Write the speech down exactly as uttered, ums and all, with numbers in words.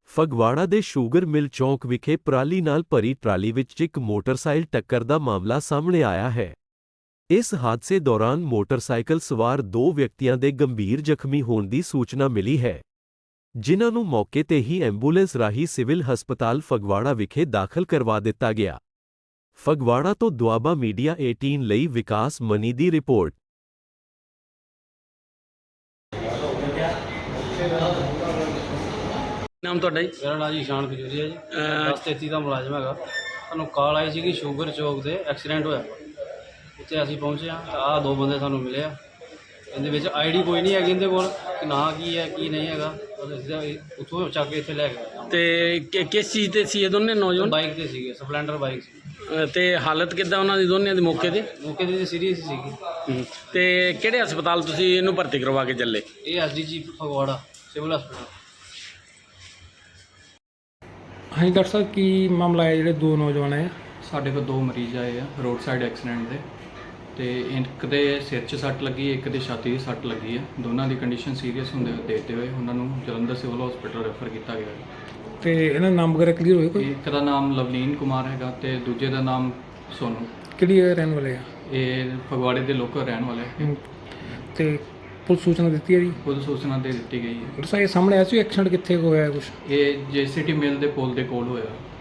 ਫਗਵਾੜਾ ਦੇ sugar mill ਚੌਕ ਵਿਖੇ ਪਰਾਲੀ ਨਾਲ ਭਰੀ ਟਰਾਲੀ ਵਿੱਚ ਇੱਕ ਮੋਟਰਸਾਈਕਲ ਟੱਕਰ ਦਾ ਮਾਮਲਾ ਸਾਹਮਣੇ ਆਇਆ ਹੈ। ਇਸ ਹਾਦਸੇ ਦੌਰਾਨ ਮੋਟਰਸਾਈਕਲ ਸਵਾਰ ਦੋ ਵਿਅਕਤੀਆਂ ਦੇ ਗੰਭੀਰ ਜ਼ਖਮੀ ਹੋਣ ਦੀ ਸੂਚਨਾ ਮਿਲੀ ਹੈ, ਜਿਨ੍ਹਾਂ ਨੂੰ ਮੌਕੇ ਤੇ ਹੀ ਐਂਬੂਲੈਂਸ ਰਾਹੀਂ ਸਿਵਲ ਹਸਪਤਾਲ ਫਗਵਾੜਾ ਵਿਖੇ ਦਾਖਲ ਕਰਵਾ ਦਿੱਤਾ ਗਿਆ। ਫਗਵਾੜਾ ਤੋਂ ਦੁਆਬਾ ਮੀਡੀਆ ਅਠਾਰ੍ਹਾਂ ਲਈ ਵਿਕਾਸ ਮਨੀ ਦੀ ਰਿਪੋਰਟ। ਨਾਮ ਤੁਹਾਡਾ ਜੀ? ਮੇਰਾ ਨਾਮ ਜੀ ਇਸ਼ਾਨ ਖਜੂਰੀਆ ਜੀ, ਦਸ ਤੇਤੀ ਦਾ ਮੁਲਾਜ਼ਮ ਹੈਗਾ। ਸਾਨੂੰ ਕਾਲ ਆਈ ਸੀ ਕਿ ਸ਼ੂਗਰ ਚੌਕ ਤੇ ਐਕਸੀਡੈਂਟ ਹੋਇਆ। ਉੱਥੇ ਅਸੀਂ ਪਹੁੰਚੇ ਹਾਂ ਤਾਂ ਆਹ ਦੋ ਬੰਦੇ ਸਾਨੂੰ ਮਿਲੇ ਆ। ਇਹਦੇ ਵਿੱਚ ਆਈਡੀ ਕੋਈ ਨਹੀਂ ਹੈਗੀ ਇਹਦੇ ਕੋਲ ਕਿ ਨਾਂ ਕੀ ਹੈ ਕੀ ਨਹੀਂ ਹੈਗਾ। ਅਸੀਂ ਉੱਥੋਂ ਚੱਕ ਕੇ ਇੱਥੇ ਲੈ ਗਏ। ਤੇ ਕਿ- ਕਿਸ ਚੀਜ਼ ਤੇ ਸੀ ਇਹ ਦੋਨੇ ਨੌਜਵਾਨ? ਬਾਈਕ ਤੇ ਸੀਗੇ, ਸਪਲੈਂਡਰ ਬਾਈਕ ਸੀ। ਅ, ਤੇ ਹਾਲਤ ਕਿੱਦਾਂ ਉਹਨਾਂ ਦੀ ਦੋਨਿਆਂ ਦੀ ਮੌਕੇ ਤੇ? ਮੌਕੇ ਦੀ ਸੀਰੀਅਸ ਸੀਗੀ। ਹੂੰ। ਤੇ ਕਿਹੜੇ ਹਸਪਤਾਲ ਤੁਸੀਂ ਇਹਨੂੰ ਭਰਤੀ ਕਰਵਾ ਕੇ ਚੱਲੇ? ਇਹ S D G Phagwara civil ਹਸਪਤਾਲ। ਹਾਂਜੀ ਡਾਕਟਰ ਸਾਹਿਬ, ਕੀ ਮਾਮਲਾ ਹੈ ਜਿਹੜੇ ਦੋ ਨੌਜਵਾਨ ਆਏ? ਸਾਡੇ ਕੋਲ ਦੋ ਮਰੀਜ਼ ਆਏ ਆ ਰੋਡ ਸਾਈਡ ਐਕਸੀਡੈਂਟ ਦੇ, ਤੇ ਇੱਕ ਦੇ ਸਿਰ 'ਚ ਸੱਟ ਲੱਗੀ, ਇੱਕ ਦੇ ਛਾਤੀ 'ਚ ਸੱਟ ਲੱਗੀ ਹੈ। ਦੋਨਾਂ ਦੀ ਕੰਡੀਸ਼ਨ ਸੀਰੀਅਸ ਹੁੰਦੇ ਦੇਖਦੇ ਹੋਏ ਉਹਨਾਂ ਨੂੰ ਜਲੰਧਰ ਸਿਵਲ ਹਸਪੀਟਲ ਰੈਫਰ ਕੀਤਾ ਗਿਆ ਹੈ। ਤੇ ਇਹਨਾਂ ਦਾ ਨਾਮ ਵਗੈਰਾ ਕਲੀਅਰ ਹੋਏ ਕੋਈ? ਇੱਕ ਦਾ ਨਾਮ ਲਵਲੀਨ ਕੁਮਾਰ ਹੈਗਾ ਤੇ ਦੂਜੇ ਦਾ ਨਾਮ ਸੋਨੂ। ਕਿਹੜੀ ਜਗ੍ਹਾ ਰਹਿਣ ਵਾਲੇ ਆ? ਇਹ ਫਗਵਾੜੇ ਦੇ ਲੋਕਲ ਰਹਿਣ ਵਾਲੇ ਹੈ। ਹਮ, ਤੇ ਪੁਲਿਸ ਸੂਚਨਾ ਦਿੱਤੀ ਹੈ ਜੀ? ਖੁਦ ਸੂਚਨਾ ਦੇ ਦਿੱਤੀ ਗਈ ਹੈ। ਡਾਕਟਰ ਸਾਹਿਬ, ਇਹ ਸਾਹਮਣੇ ਆਇਆ ਸੀ ਐਕਸੀਡੈਂਟ ਕਿੱਥੇ ਕੁ ਹੋਇਆ ਕੁਛ? ਇਹ ਜੇਸੀਟੀ ਮਿਲ ਦੇ ਪੁਲ ਦੇ ਕੋਲ ਹੋਇਆ।